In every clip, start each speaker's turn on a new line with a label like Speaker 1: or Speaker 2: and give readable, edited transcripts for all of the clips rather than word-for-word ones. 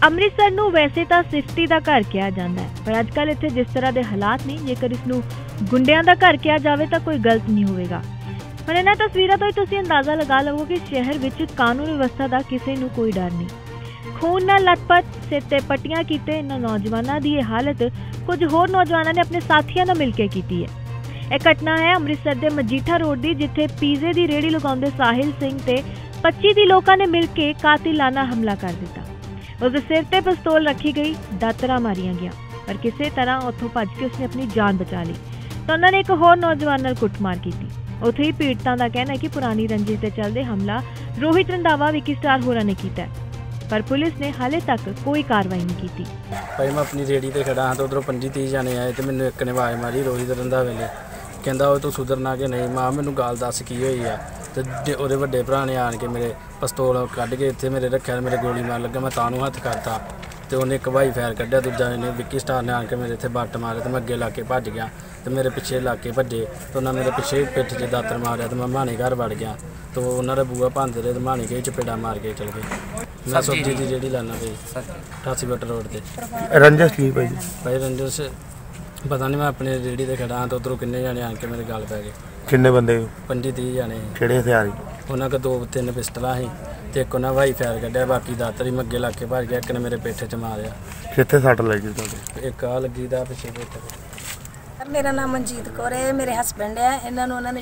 Speaker 1: ਅੰਮ੍ਰਿਤਸਰ ਨੂੰ ਵੈਸੇ ਤਾਂ ਸਿਫਤੀ ਦਾ ਘਰ ਕਿਹਾ ਜਾਂਦਾ ਹੈ, ਪਰ ਅੱਜਕੱਲ ਇੱਥੇ ਜਿਸ ਤਰ੍ਹਾਂ ਦੇ ਹਾਲਾਤ ਨੇ, ਜੇਕਰ ਇਸ ਨੂੰ ਗੁੰਡਿਆਂ ਦਾ ਘਰ ਕਿਹਾ ਜਾਵੇ ਤਾਂ ਕੋਈ ਗਲਤ ਨਹੀਂ ਹੋਵੇਗਾ। ਹੁਣ ਇਹਨਾਂ ਤਸਵੀਰਾਂ ਤੋਂ ਹੀ ਤੁਸੀਂ ਅੰਦਾਜ਼ਾ ਲਗਾ ਲਵੋਗੇ ਕਿ ਸ਼ਹਿਰ ਵਿੱਚ ਕਾਨੂੰਨ ਵਿਵਸਥਾ ਦਾ ਕਿਸੇ ਨੂੰ ਕੋਈ ਡਰ ਨਹੀਂ। ਖੂਨ ਨਾਲ ਲਟਪਟ, ਸਿਰ ਤੇ ਪੱਟੀਆਂ ਕੀਤੇ ਇਹਨਾਂ ਨੌਜਵਾਨਾਂ ਦੀ ਇਹ ਹਾਲਤ ਕੁਝ ਹੋਰ ਨੌਜਵਾਨਾਂ ਨੇ ਆਪਣੇ ਸਾਥੀਆਂ ਨਾਲ ਮਿਲ ਕੇ ਕੀਤੀ ਹੈ। ਇਹ ਘਟਨਾ ਹੈ ਅੰਮ੍ਰਿਤਸਰ ਦੇ ਮਜੀਠਾ ਰੋਡ ਦੀ, ਜਿੱਥੇ ਪੀਜ਼ੇ ਦੀ ਰੇਹੜੀ ਲਗਾਉਂਦੇ ਸਾਹਿਲ ਸਿੰਘ ਤੇ 25 ਦੀ ਲੋਕਾਂ ਨੇ ਮਿਲ ਕੇ ਕਾਤਿਲਾਨਾ ਹਮਲਾ ਕਰ ਦਿੱਤਾ। उसके सिर ते पिस्तौल रखी गई, दातरा मारिया गया, पर किसी तरह उत्थों भज के उसने अपनी जान बचा ली। तो उन्होंने एक होर नौजवान नाल कुटमार की। उत्थे ही पीड़ितां दा कहना है कि पुरानी रंजिश के चलते हमला रोहित रंधावा, विकी स्टार होरां ने कीता है, पर पुलिस ने हाले तक कोई कार्रवाई नहीं की।
Speaker 2: भाई मैं अपनी रेहड़ी ते खड़ा हाँ, तो उधरों 25-30 जाने आए तो मैंने एक ने आवाज़ मारी रोहित रंधावे ने, कहंदा ओए तू सुधरना कि नहीं। मां मैनू गाल दस की हुई है, तो ਉਹਦੇ ਵੱਡੇ ਭਰਾ ਨੇ ਆਣ ਕੇ ਮੇਰੇ ਪਿਸਤੌਲ ਕੱਢ ਕੇ ਇੱਥੇ ਮੇਰੇ ਰੱਖਿਆ, ਮੇਰੇ ਗੋਲੀ ਮਾਰ ਲੱਗਾ, ਮੈਂ ਤਾਂ ਨੂੰ ਹੱਥ ਕਰਤਾ ਤੇ ਉਹਨੇ ਇੱਕ ਭਾਈ ਫਾਇਰ ਕੱਢਿਆ, ਦੂਜਾ ਨੇ ਵਿੱਕੀ ਸਟਾਰ ਨੇ ਆਣ ਕੇ ਮੇਰੇ ਇੱਥੇ ਬੱਟ ਮਾਰਿਆ ਤੇ ਮੈਂ ਅੱਗੇ ਲਾ ਕੇ ਭੱਜ ਗਿਆ ਤੇ ਮੇਰੇ ਪਿੱਛੇ ਲਾ ਕੇ ਭੱਜੇ ਤੇ ਉਹਨਾਂ ਮੇਰੇ ਪਿੱਛੇ ਪਿੱਠ 'ਚ ਦਾਤਰ ਮਾਰਿਆ ਤੇ ਮੈਂ ਮਾਣੇ ਘਰ ਵੜ ਗਿਆ ਤੇ ਉਹਨਾਂ ਦਾ ਬੂਆ ਭੰਨਦੇ ਰਹੇ ਤੇ ਮਾਣੇ ਕੇ ਚਪੇੜਾ ਮਾਰ ਕੇ ਚਲ ਗਏ। ਮੈਂ ਸਬਜ਼ੀ ਦੀ ਜਿਹੜੀ ਲਾਣਾ ਪਈ 88 ਫੁੱਟ ਰੋਡ ਤੇ।
Speaker 3: ਰੰਜਸ ਕੀ ਭਾਈ?
Speaker 2: ਭਾਈ ਰੰਜਸ ਪਤਾ ਨਹੀਂ, ਮੈਂ ਆਪਣੇ ਰੇਹੜੀ ਤੇ ਖੜਾ ਹਾਂ ਤਾਂ ਉੱਧਰੋਂ ਕਿੰਨੇ ਜਾਣੇ ਆਣ ਕੇ ਮੇਰੇ ਗੱਲ ਪੈ ਗਏ।
Speaker 3: ਕਿੰਨੇ ਬੰਦੇ?
Speaker 2: 25-30 ਜਾਣੇ।
Speaker 3: ਕਿਹੜੇ ਹਥਿਆਰ?
Speaker 2: ਉਹਨਾਂ ਕੋਲ 2-3 ਪਿਸਟਲਾਂ ਸੀ ਤੇ ਇੱਕ ਉਹਨਾਂ ਭਾਈ ਫਾਇਰ ਕੱਢਿਆ, ਬਾਕੀ ਦਾਤਰ ਹੀ ਮੈਂ ਅੱਗੇ ਲਾ ਕੇ ਭੱਜ ਗਿਆ। ਇੱਕ ਨੇ ਮੇਰੇ ਪਿੱਠ 'ਚ ਮਾਰਿਆ।
Speaker 3: ਕਿੱਥੇ ਸੱਟ ਲੱਗੀ ਤੁਹਾਡੇ?
Speaker 2: ਇੱਕ ਆ ਲੱਗੀ ਦਾ ਪਿੱਛੇ ਪਿੱਠ।
Speaker 4: मेरा नाम मनजीत कौर है, मेरे हसबैंड है। इन्होंने उन्होंने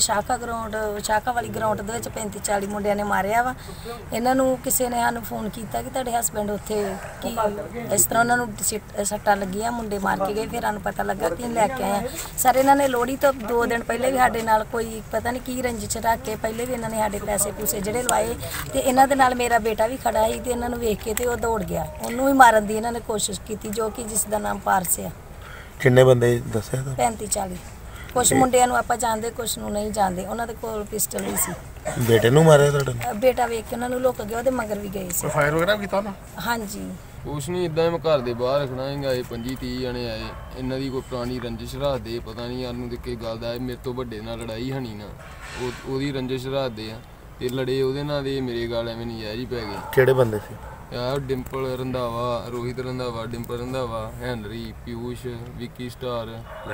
Speaker 4: शाखा वाली ग्राउंड ਦੇ ਵਿੱਚ 35-40 ਮੁੰਡਿਆਂ ਨੇ ਮਾਰਿਆ ਵਾ। ਇਹਨਾਂ ਨੂੰ ਕਿਸੇ ਨੇ ਸਾਨੂੰ ਫੋਨ ਕੀਤਾ ਕਿ ਤੁਹਾਡੇ ਹਸਬੈਂਡ ਉੱਥੇ ਕੀ ਇਸ ਤਰ੍ਹਾਂ ਉਹਨਾਂ ਨੂੰ ਸੱਟਾਂ ਲੱਗੀਆਂ, ਮੁੰਡੇ ਮਾਰ ਕੇ ਗਏ। ਫਿਰ ਸਾਨੂੰ ਪਤਾ ਲੱਗਾ ਕਿ ਲੈ ਕੇ ਆਏ ਸਰ। ਇਹਨਾਂ ਨੇ ਲੋਹੜੀ ਤੋਂ 2 ਦਿਨ ਪਹਿਲੇ ਵੀ ਸਾਡੇ ਨਾਲ ਕੋਈ ਪਤਾ ਨਹੀਂ ਕੀ ਰੰਜਿਸ਼ ਰੱਖ ਕੇ ਪਹਿਲੇ ਵੀ ਇਹਨਾਂ ਨੇ ਸਾਡੇ ਪੈਸੇ ਪੂਸੇ ਜਿਹੜੇ ਲਵਾਏ ਤੇ ਇਹਨਾਂ ਦੇ ਨਾਲ ਮੇਰਾ ਬੇਟਾ ਵੀ ਖੜਾ ਸੀ ਤੇ ਇਹਨਾਂ ਨੂੰ ਵੇਖ ਕੇ ਤੇ ਉਹ ਦੌੜ ਗਿਆ। ਉਹਨੂੰ ਵੀ ਮਾਰਨ ਦੀ ਇਹਨਾਂ ਨੇ ਕੋਸ਼ਿਸ਼ ਕੀਤੀ, ਜੋ ਕਿ ਜਿਸ ਦਾ ਨਾਮ ਪਾਰਸ ਆ।
Speaker 3: ਕਿੰਨੇ ਬੰਦੇ ਦੱਸਿਆ?
Speaker 4: 35-40। ਕੁਛ ਮੁੰਡਿਆਂ ਨੂੰ ਆਪਾਂ ਜਾਣਦੇ, ਕੁਛ ਨੂੰ ਨਹੀਂ ਜਾਣਦੇ। ਉਹਨਾਂ ਦੇ ਕੋਲ ਪਿਸਟਲ ਵੀ ਸੀ।
Speaker 3: ਬੇਟੇ ਨੂੰ ਮਾਰਿਆ ਤੁਹਾਡੇ?
Speaker 4: ਬੇਟਾ ਵੇਖ ਕੇ ਉਹਨਾਂ ਨੂੰ ਲੁੱਕ ਗਿਆ, ਉਹਦੇ ਮਗਰ ਵੀ ਗਏ ਸੀ।
Speaker 3: ਫਾਇਰ ਵਗੈਰਾ ਕੀਤਾ ਨਾ?
Speaker 4: ਹਾਂਜੀ।
Speaker 5: ਕੁਛ ਨਹੀਂ, ਇਦਾਂ ਮੈਂ ਘਰ ਦੇ ਬਾਹਰ ਰੱਖਣਾ ਹੈਗਾ। ਇਹ 25-30 ਜਣੇ ਆਏ, ਇਹਨਾਂ ਦੀ ਕੋਈ ਪੁਰਾਣੀ ਰੰਜਿਸ਼ ਰੱਖਦੇ, ਪਤਾ ਨਹੀਂ ਸਾਨੂੰ ਤੇ ਕੀ ਗੱਲ ਦਾ। ਮੇਰੇ ਤੋਂ ਵੱਡੇ ਨਾਲ ਲੜਾਈ ਹਣੀ ਨਾ, ਉਹਦੀ ਰੰਜਿਸ਼ ਰੱਖਦੇ ਆ ਤੇ ਲੜੇ ਉਹਦੇ ਨਾਲ ਦੇ ਮੇਰੇ ਗਾਲ ਐਵੇਂ ਨਜਾਇਜ਼ ਹੀ ਪੈ ਗਏ।
Speaker 3: ਕਿਹੜੇ ਬੰਦੇ ਸੀ?
Speaker 5: ਯਾਰ ਡਿੰਪਲ ਰੰਧਾਵਾ, ਰੋਹਿਤ ਰੰਧਾਵਾ, ਡਿੰਪਲ ਰੰਧਾਵਾ, ਹੈਨਰੀ, ਪਿਊਸ਼, ਵਿੱਕੀ ਸਟਾਰ,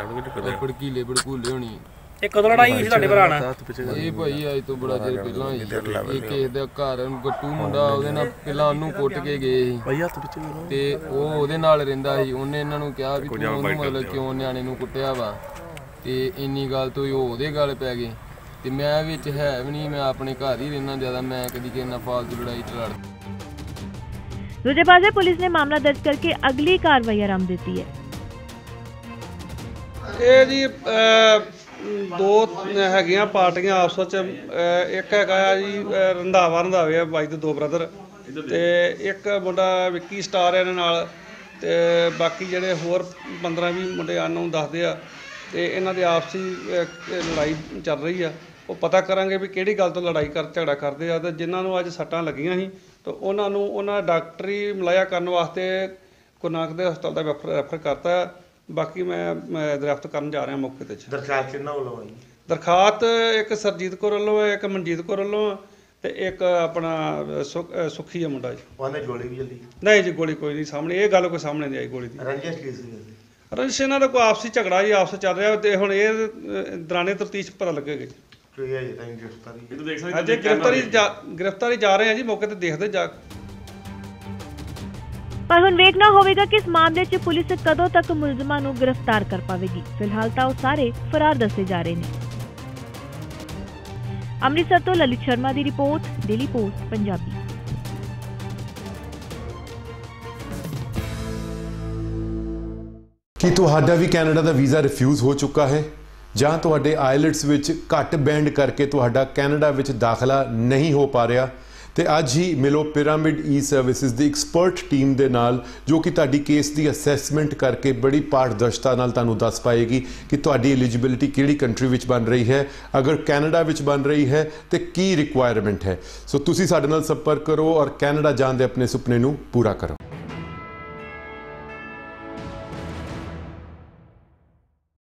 Speaker 5: ਭੜਕੀਲੇ ਭੜਕੂਲੇ ਹੋਣੀ।
Speaker 6: ਇਹ ਕਦੋਂ ਲੜਾਈ ਹੋਈ ਸੀ ਤੁਹਾਡੇ ਭਰਾ ਨਾਲ?
Speaker 5: ਇਹ ਭਾਈ ਅੱਜ ਤੋਂ ਬੜਾ ਚਿਰ ਪਹਿਲਾਂ ਹੋਈ। ਇਹ ਕਿਸੇ ਦਾ ਘਰ ਗੱਟੂ ਮੁੰਡਾ, ਉਹਦੇ ਨਾਲ ਪਹਿਲਾਂ ਉਹਨੂੰ ਕੁੱਟ ਕੇ ਗਏ ਸੀ ਤੇ ਉਹ ਉਹਦੇ ਨਾਲ ਰਹਿੰਦਾ ਸੀ। ਉਹਨੇ ਇਹਨਾਂ ਨੂੰ ਕਿਹਾ ਵੀ ਤੂੰ ਉਹਨੂੰ ਮਤਲਬ ਕਿਉਂ ਨਿਆਣੇ ਨੂੰ ਕੁੱਟਿਆ ਵਾ, ਤੇ ਇੰਨੀ ਗੱਲ ਤੋਂ ਉਹ ਉਹਦੇ ਗੱਲ ਪੈ ਗਏ। ਤੇ ਮੈਂ ਵਿੱਚ ਹੈ ਵੀ ਨਹੀਂ, ਮੈਂ ਆਪਣੇ ਘਰ ਹੀ ਰਹਿਣਾ ਜ਼ਿਆਦਾ, ਮੈਂ ਕਦੀ ਕਿਸੇ ਨਾਲ ਫਾਲਤੂ ਲੜਾਈ ਚ ਲੜ।
Speaker 1: दूजे पासे पुलिस ने मामला दर्ज करके अगली कार्रवाई आरंभ दी है।
Speaker 7: ਇਹ ਜੀ ਦੋ ਹੈਗੀਆਂ ਪਾਰਟੀਆਂ ਆਪਸ ਵਿੱਚ। ਇੱਕ ਹੈਗਾ ਜੀ ਰੰਧਾਵੇ ਆ ਬਾਈ ਦੇ 2 ਬ੍ਰਦਰ, ਤੇ ਇੱਕ ਮੁੰਡਾ ਵਿੱਕੀ ਸਟਾਰ ਇਹਨਾਂ ਨਾਲ, ਤੇ ਬਾਕੀ ਜਿਹੜੇ ਹੋਰ 15-20 ਮੁੰਡੇ ਨੂੰ ਦੱਸਦੇ ਆ। ਤੇ ਇਹਨਾਂ ਦੇ ਆਪਸੀ ਲੜਾਈ ਚੱਲ ਰਹੀ ਆ। ਉਹ ਪਤਾ ਕਰਾਂਗੇ ਵੀ ਕਿਹੜੀ ਗੱਲ ਤੋਂ ਲੜਾਈ ਝਗੜਾ ਕਰਦੇ ਆ। ਤੇ ਜਿਨ੍ਹਾਂ ਨੂੰ ਅੱਜ ਸੱਟਾਂ ਲੱਗੀਆਂ ਸੀ ਤਾਂ ਉਹਨਾਂ ਨੂੰ ਉਹਨਾਂ ਡਾਕਟਰੀ ਮੁਲਾਇਆ ਕਰਨ ਵਾਸਤੇ ਗੁਰੂ ਨਾਨਕ ਦੇ ਹਸਪਤਾਲ ਦਾ ਰੈਫਰ ਕਰਤਾ। ਬਾਕੀ ਮੈਂ ਦਰਖਤ ਕਰਨ ਜਾ ਰਿਹਾ ਮੌਕੇ 'ਤੇ।
Speaker 3: ਦਰਖਾਸਤ ਕਿਹਨਾਂ ਵੱਲੋਂ ਆਈ?
Speaker 7: ਦਰਖਾਸਤ ਇੱਕ ਸਰਜੀਤ ਕੌਰ ਵੱਲੋਂ ਹੈ, ਇੱਕ ਮਨਜੀਤ ਕੌਰ ਵੱਲੋਂ ਤੇ ਇੱਕ ਆਪਣਾ ਸੁੱਖੀ ਆ ਮੁੰਡਾ ਜੀ।
Speaker 3: ਉਹਨੇ ਗੋਲੀ ਵੀ ਚੱਲੀ? ਨਹੀਂ
Speaker 7: ਜੀ, ਗੋਲੀ ਕੋਈ ਨਹੀਂ ਸਾਹਮਣੇ, ਇਹ ਗੱਲ ਕੋਈ ਸਾਹਮਣੇ ਨਹੀਂ ਆਈ ਗੋਲੀ ਦੀ।
Speaker 3: ਰੰਜਿਸ਼ ਕੀ ਸੀ?
Speaker 7: ਰੰਜਿਸ਼ ਇਹਨਾਂ ਦਾ ਕੋਈ ਆਪਸੀ ਝਗੜਾ ਜੀ, ਆਪਸ ਚੱਲ ਰਿਹਾ। ਤੇ ਹੁਣ ਇਹ ਦੌਰਾਨੇ ਤਫਤੀਸ਼ ਪਤਾ ਲੱਗੇਗਾ ਜੀ। गिरफ्तारी जा रहे हैं जी, मौके ते देखदे जा।
Speaker 1: पर हुण वेखना होवेगा कि इस मामले च पुलिस कदों तक मुलजमां नूं गिरफ्तार कर पावेगी। फिलहाल तां ओह सारे फरार दसे जा रहे ने। अमृतसर तो ललित शर्मा दी रिपोर्ट, डेली पोस्ट पंजाबी।
Speaker 8: ਕੀ ਤੁਹਾਡਾ ਵੀ ਕੈਨੇਡਾ ਦਾ ਵੀਜ਼ਾ ਰਿਫਿਊਜ਼ ਹੋ ਚੁੱਕਾ ਹੈ ਜਾਂ ਤੁਹਾਡੇ ਆਇਲਟਸ ਵਿੱਚ ਘੱਟ ਬੈਂਡ ਕਰਕੇ ਤੁਹਾਡਾ ਕੈਨੇਡਾ ਵਿੱਚ ਦਾਖਲਾ ਨਹੀਂ ਹੋ ਪਾ ਰਿਹਾ? ਤੇ ਅੱਜ ਹੀ ਮਿਲੋ ਪਿਰਾਮਿਡ ਈ ਸਰਵਿਸਿਜ਼ ਦੀ ਐਕਸਪਰਟ ਟੀਮ ਦੇ ਨਾਲ, ਜੋ ਕਿ ਤੁਹਾਡੀ ਕੇਸ ਦੀ ਅਸੈਸਮੈਂਟ ਕਰਕੇ ਬੜੀ ਪਾਰਦਰਸ਼ਤਾ ਨਾਲ ਤੁਹਾਨੂੰ ਦੱਸ ਪਾਏਗੀ ਕਿ ਤੁਹਾਡੀ ਐਲੀਜੀਬਿਲਿਟੀ ਕਿਹੜੀ ਕੰਟਰੀ ਵਿੱਚ ਬਣ ਰਹੀ ਹੈ, ਅਗਰ ਕੈਨੇਡਾ ਵਿੱਚ ਬਣ ਰਹੀ ਹੈ ਤੇ ਕੀ ਰਿਕੁਆਇਰਮੈਂਟ ਹੈ। ਸੋ ਤੁਸੀਂ ਸਾਡੇ ਨਾਲ ਸੰਪਰਕ ਕਰੋ ਔਰ ਕੈਨੇਡਾ ਜਾਣ ਦੇ ਆਪਣੇ ਸੁਪਨੇ ਨੂੰ ਪੂਰਾ ਕਰੋ।